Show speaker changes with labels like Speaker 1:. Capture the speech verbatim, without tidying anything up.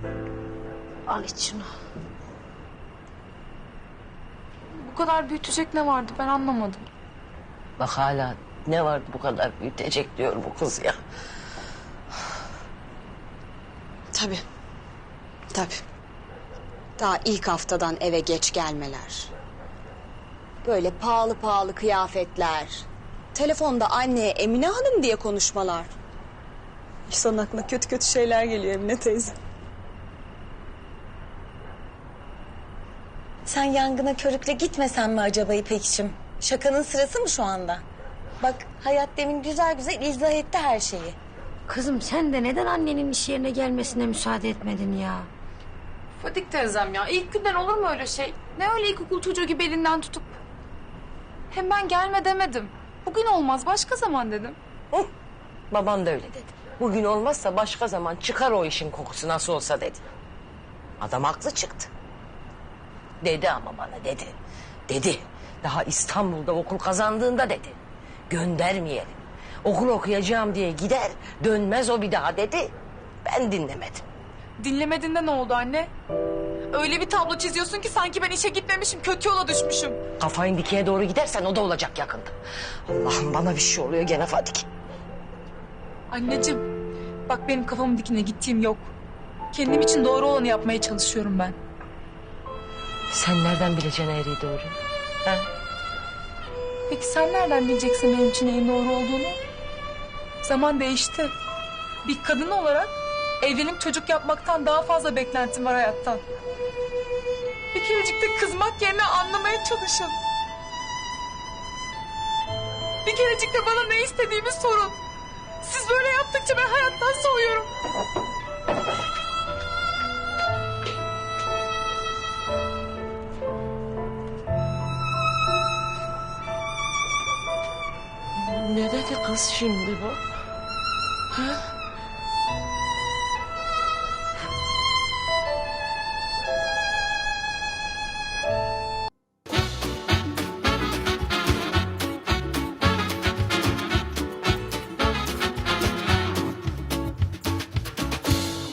Speaker 1: Al iç şunu.
Speaker 2: Bu kadar büyütecek ne vardı ben anlamadım.
Speaker 1: Bak hala ne vardı bu kadar büyütecek diyor bu kız ya.
Speaker 3: Tabii. Tabii. Daha ilk haftadan eve geç gelmeler. Böyle pahalı pahalı kıyafetler. Telefonda anneye Emine Hanım diye konuşmalar. İnsanın aklına kötü kötü şeyler geliyor Emine teyze.
Speaker 4: Sen yangına körükle gitmesen mi acaba İpekçim? Şakanın sırası mı şu anda? Bak Hayat demin güzel güzel izah etti her şeyi.
Speaker 5: Kızım sen de neden annenin iş yerine gelmesine müsaade etmedin ya?
Speaker 2: Fadik teyzem ya ilk günden olur mu öyle şey? Ne öyle ilkokul çocuğu gibi elinden tutup. Hem ben gelme demedim. Bugün olmaz başka zaman dedim.
Speaker 1: Hı, baban da öyle dedi. Bugün olmazsa başka zaman çıkar o işin kokusu nasıl olsa dedi. Adam haklı çıktı. Dedi ama bana dedi. Dedi. Daha İstanbul'da okul kazandığında dedi. Göndermeyelim. Okul okuyacağım diye gider dönmez o bir daha dedi. Ben dinlemedim.
Speaker 2: Dinlemediğinde ne oldu anne? Öyle bir tablo çiziyorsun ki sanki ben işe gitmemişim, kötü yola düşmüşüm.
Speaker 1: Kafayın dikeye doğru gidersen o da olacak yakında. Allah'ım bana bir şey oluyor gene Fadik.
Speaker 2: Anneciğim, bak benim kafamın dikine gittiğim yok. Kendim için doğru olanı yapmaya çalışıyorum ben.
Speaker 1: Sen nereden bileceksin eğriyi doğru? Ha?
Speaker 2: Peki sen nereden bileceksin benim için neyin doğru olduğunu? Zaman değişti. Bir kadın olarak evlenip çocuk yapmaktan daha fazla beklentim var hayattan. Bir kerecik de kızmak yerine anlamaya çalışın. Bir kerecik de bana ne istediğimi sorun. Siz böyle yaptıkça ben hayattan soğuyorum.
Speaker 1: Ne dedi kız şimdi bu? Ha?